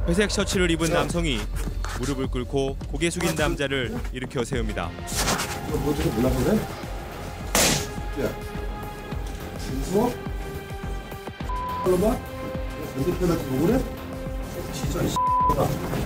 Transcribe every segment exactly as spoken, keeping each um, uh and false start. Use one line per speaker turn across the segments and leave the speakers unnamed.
회색 셔츠를 입은 남성이 무릎을 꿇고 고개 숙인 남자를 일으켜 세웁니다.
이거 뭐 저거 몰라 그래? 야, 무서워? 빨로 봐. 반대편한테 뭐 그래? 진짜 이 X다.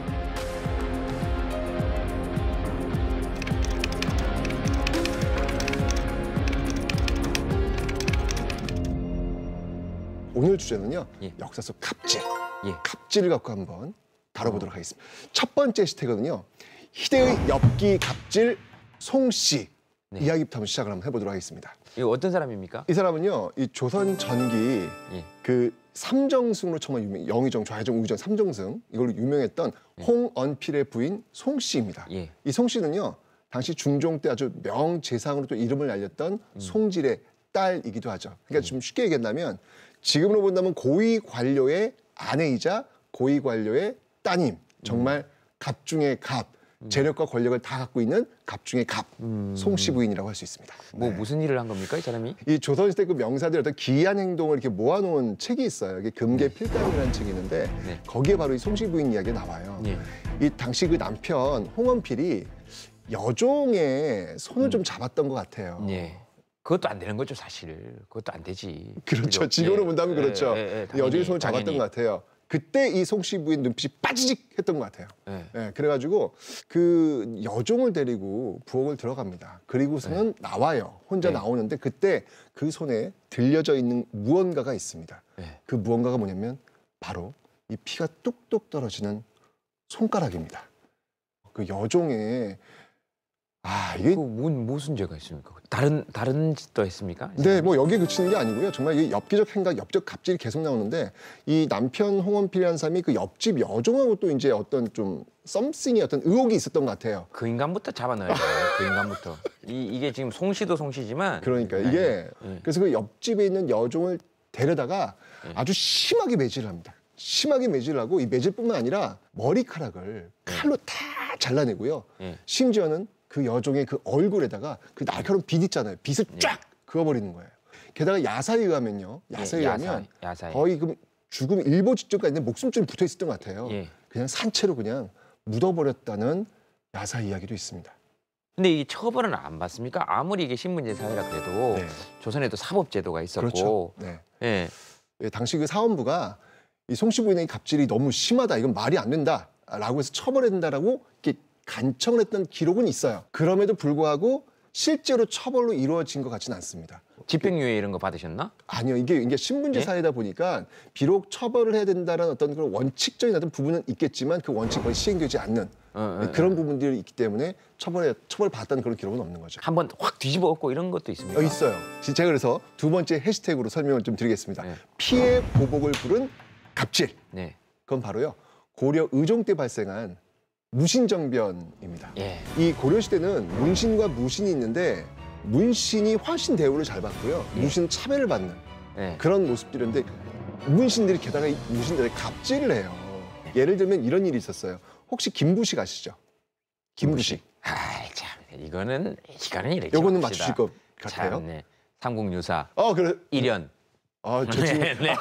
오늘 주제는요. 예. 역사 속 갑질. 예. 갑질을 갖고 한번 다뤄보도록 어. 하겠습니다. 첫 번째 해시태그는요. 희대의 엽기 갑질 송씨. 네. 이야기부터 한번 시작을 한번 해보도록 하겠습니다.
이거 어떤 사람입니까?
이 사람은요. 이 조선 전기 예. 그 삼정승으로 정말 유명, 영의정, 좌의정, 우의정 삼정승 이걸로 유명했던 예. 홍언필의 부인 송씨입니다. 예. 이 송씨는요. 당시 중종 때 아주 명재상으로 또 이름을 알렸던 음. 송질의 딸이기도 하죠. 그러니까 음. 좀 쉽게 얘기한다면 지금으로 본다면 고위 관료의 아내이자 고위 관료의 따님. 정말 음. 갑 중의 갑. 음. 재력과 권력을 다 갖고 있는 갑 중의 갑. 음. 송씨 부인이라고 할 수 있습니다.
뭐
네.
무슨 일을 한 겁니까, 이 사람이?
이 조선시대 그 명사들의 어떤 기이한 행동을 이렇게 모아놓은 책이 있어요. 이게 금계필감이라는 책이 있는데 네. 거기에 바로 이 송씨 부인 이야기가 나와요. 네. 이 당시 그 남편 홍언필이 여종의 손을 음. 좀 잡았던 것 같아요.
네. 그것도 안 되는 거죠, 사실. 그것도 안 되지.
그렇죠. 지금으로 예. 본다면 그렇죠. 예, 예, 예, 여종의 손을 잡았던 당연히. 것 같아요. 그때 이 송씨 부인 눈빛이 빠지직 했던 것 같아요. 예. 예, 그래가지고 그 여종을 데리고 부엌을 들어갑니다. 그리고서는 예. 나와요. 혼자 예. 나오는데 그때 그 손에 들려져 있는 무언가가 있습니다. 예. 그 무언가가 뭐냐면 바로 이 피가 뚝뚝 떨어지는 손가락입니다. 그 여종의 아 이게
그 뭔, 무슨 죄가 있습니까? 다른 다른 짓도 했습니까?
네, 뭐 여기에 그치는 게 아니고요. 정말 이 엽기적 행각, 엽적 갑질이 계속 나오는데 이 남편 홍언필이라는 사람이 그 옆집 여종하고 또 이제 어떤 좀 썸씽이 어떤 의혹이 있었던 것 같아요.
그 인간부터 잡아넣어야 돼요. 그 인간부터. 이 이게 지금 송씨도 송씨지만.
그러니까 이게 네. 그래서 그 옆집에 있는 여종을 데려다가 네. 아주 심하게 매질을 합니다. 심하게 매질을 하고 이 매질뿐만 아니라 머리카락을 칼로 네. 다 잘라내고요. 네. 심지어는 그 여종의 그 얼굴에다가 그 날카로운 빛 있잖아요. 빛을 쫙 네. 그어버리는 거예요. 게다가 야사에 의하면요. 야사에 예, 의하면 야사, 야사에. 거의 그 죽음 일보 직전까지 목숨줄이 붙어 있었던 것 같아요. 예. 그냥 산채로 그냥 묻어버렸다는 야사 이야기도 있습니다.
근데 이 처벌은 안 받습니까? 아무리 이게 신분제 사회라 그래도 네. 조선에도 사법제도가 있었고.
그렇죠. 네.
예.
예, 당시 그 사원부가 이 송씨 부인의 갑질이 너무 심하다. 이건 말이 안 된다라고 해서 처벌해야 된다라고 이렇게 간청을 했던 기록은 있어요. 그럼에도 불구하고 실제로 처벌로 이루어진 것 같지는 않습니다.
집행유예 이런 거 받으셨나?
아니요. 이게, 이게 신분제 예? 사회다 보니까 비록 처벌을 해야 된다는 어떤 그런 원칙적인 어떤 부분은 있겠지만 그 원칙이 거의 시행되지 않는 어, 어, 그런 어. 부분들이 있기 때문에 처벌에, 처벌받았다는 그런 기록은 없는 거죠.
한번 확 뒤집어 엎고 이런 것도 있습니까?
어, 있어요. 제가 그래서 두 번째 해시태그로 설명을 좀 드리겠습니다. 네. 피해 보복을 부른 갑질. 네. 그건 바로요. 고려 의종 때 발생한 무신정변입니다. 예. 이 고려시대는 문신과 무신이 있는데 문신이 훨씬 대우를 잘 받고요. 예. 무신은 차별을 받는 예. 그런 모습들인데 문신들이 게다가 이 무신들의 갑질을 해요. 예를 들면 이런 일이 있었어요. 혹시 김부식 아시죠? 김부식.
아이 참 이거는 이거는 이렇게
요거는 맞추실 것 같아요.
참, 네. 삼국유사.
어 그래.
일연.
아, 저 지금
네네네.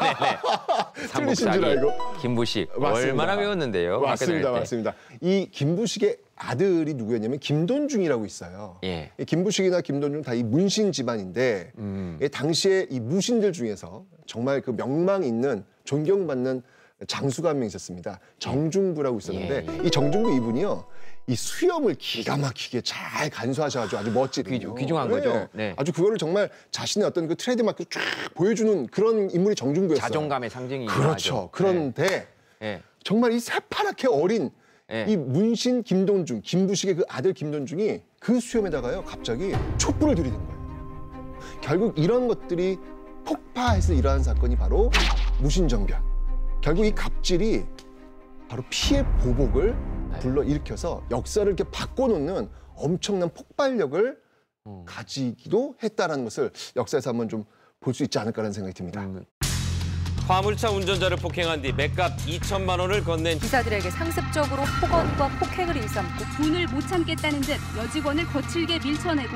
틀리신 줄 알고.
김부식.
맞습니다.
얼마나 배웠는데요?
맞습니다, 맞습니다. 이 김부식의 아들이 누구였냐면 김돈중이라고 있어요. 예. 이 김부식이나 김돈중 다 이 문신 집안인데 음. 이 당시에 이 무신들 중에서 정말 그 명망 있는 존경받는 장수가 한 명 있었습니다. 정중부라고 있었는데 예. 이 정중부 이분이요. 이 수염을 기가 막히게 잘 간수하셔가지고 아주 멋지거든요.
귀중한
네.
거죠. 네.
아주 그거를 정말 자신의 어떤 그 트레이드마크 쫙 보여주는 그런 인물이 정중부였어요.
자존감의 상징이.
그렇죠.
하죠.
그런데 네. 정말 이 새파랗게 어린 네. 이 문신 김돈중, 김부식의 그 아들 김돈중이 그 수염에다가요 갑자기 촛불을 들이댄 거예요. 결국 이런 것들이 폭파해서 일어난 사건이 바로 무신정변. 결국 이 갑질이 바로 피해 보복을 불러일으켜서 역사를 이렇게 바꿔놓는 엄청난 폭발력을 음. 가지기도 했다는 것을 역사에서 한번 좀 볼 수 있지 않을까라는 생각이 듭니다. 음.
화물차 운전자를 폭행한 뒤 맥값 이천만 원을 건넨
기사들에게 상습적으로 폭언과 폭행을 일삼고
분을 못 참겠다는 듯 여직원을 거칠게 밀쳐내고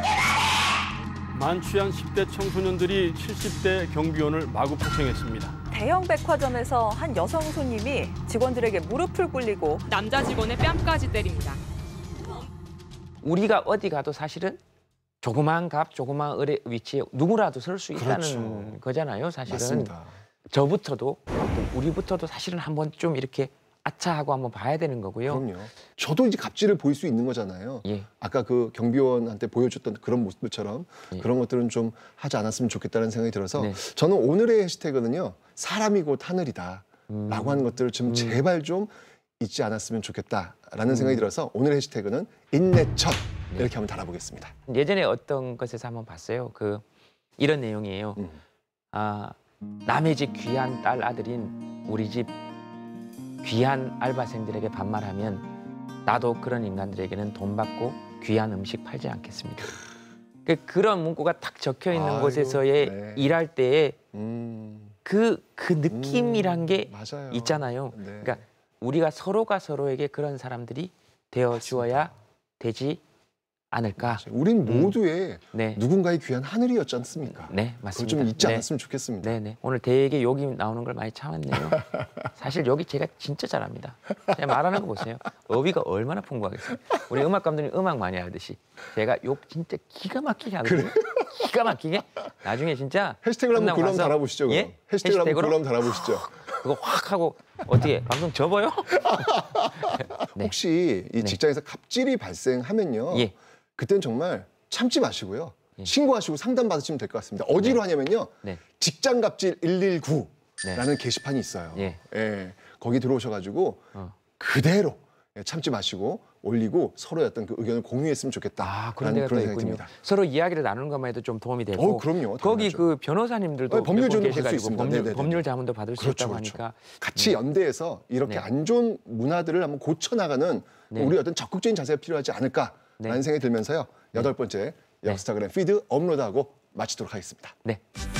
만취한 십 대 청소년들이 칠십 대 경비원을 마구 폭행했습니다. 대형 백화점에서 한 여성 손님이 직원들에게 무릎을 꿇리고
남자 직원의 뺨까지 때립니다.
우리가 어디 가도 사실은 조그마한 값, 조그마한 을의 위치에 누구라도 설 수 있다는
그렇죠.
거잖아요. 사실은.
맞습니다.
저부터도 우리부터도 사실은 한번 좀 이렇게 아차하고 한번 봐야 되는 거고요.
그럼요. 저도 이제 갑질을 보일 수 있는 거잖아요.
예.
아까 그 경비원한테 보여줬던 그런 모습들처럼
예.
그런 것들은 좀 하지 않았으면 좋겠다는 생각이 들어서
네.
저는 오늘의 해시태그는요. 사람이 곧 하늘이다
음.
라고 하는 것들을 좀
음.
제발 좀 잊지 않았으면 좋겠다라는
음.
생각이 들어서 오늘의 해시태그는 인내첫
네.
이렇게 한번 달아보겠습니다.
예전에 어떤 것에서 한번 봤어요. 그 이런 내용이에요.
음.
아, 남의 집 귀한 딸 아들인 우리 집 귀한 알바생들에게 반말하면 나도 그런 인간들에게는 돈 받고 귀한 음식 팔지 않겠습니다. 그 그런 문구가 딱 적혀 있는
아이고,
곳에서의
네.
일할 때의
음.
그, 그 느낌이란
음,
게
맞아요.
있잖아요.
네.
그러니까 우리가 서로가 서로에게 그런 사람들이 되어 주어야 되지 않을까.
우린
음.
모두의
네.
누군가의 귀한 하늘이었지 않습니까?
네,
그걸
맞습니다.
좀 잊지
네.
않았으면 좋겠습니다.
네, 네. 오늘 되게 욕이 나오는 걸 많이 참았네요. 사실 여기 제가 진짜 잘합니다. 제가 말하는 거 보세요. 어휘가 얼마나 풍부하겠어요. 우리 음악 감독님 음악 많이 하듯이 제가 욕 진짜 기가 막히게 하거든요. 기가 막히게. 나중에 진짜
해시태그를 한번
끝나고
글로 한번
가서
달아보시죠. 그럼.
예?
해시태그를 한번
해시태그로?
글로 한번 달아보시죠.
그거 확 하고 어떻게 방송 접어요? 네.
혹시 이
네.
직장에서 갑질이 발생하면요.
예.
그때는 정말 참지 마시고요.
예.
신고하시고 상담 받으시면 될 것 같습니다. 어디로
네.
하냐면요.
네.
직장갑질 일일구라는
네.
게시판이 있어요.
예.
예. 거기 들어오셔가지고
어.
그대로 참지 마시고 올리고 서로의 어떤 그 의견을 공유했으면 좋겠다.
아, 그런 데가 또
그런
있군요.
생각이 듭니다.
서로 이야기를 나누는 것만 해도 좀 도움이 되고.
어, 그럼요.
거기
당연하죠.
그 변호사님들도
어, 법률
몇 분
지원도 받을 수
계셔가지고
있습니다.
법률,
네네네.
법률 자문도 받을 수
그렇죠,
있다고
그렇죠.
하니까.
같이 연대해서 이렇게
네.
안 좋은 문화들을 한번 고쳐나가는
네.
우리 어떤 적극적인 자세가 필요하지 않을까라는
네.
생각이 들면서요. 여덟 번째 역스타그램 피드 업로드하고 마치도록 하겠습니다.
네.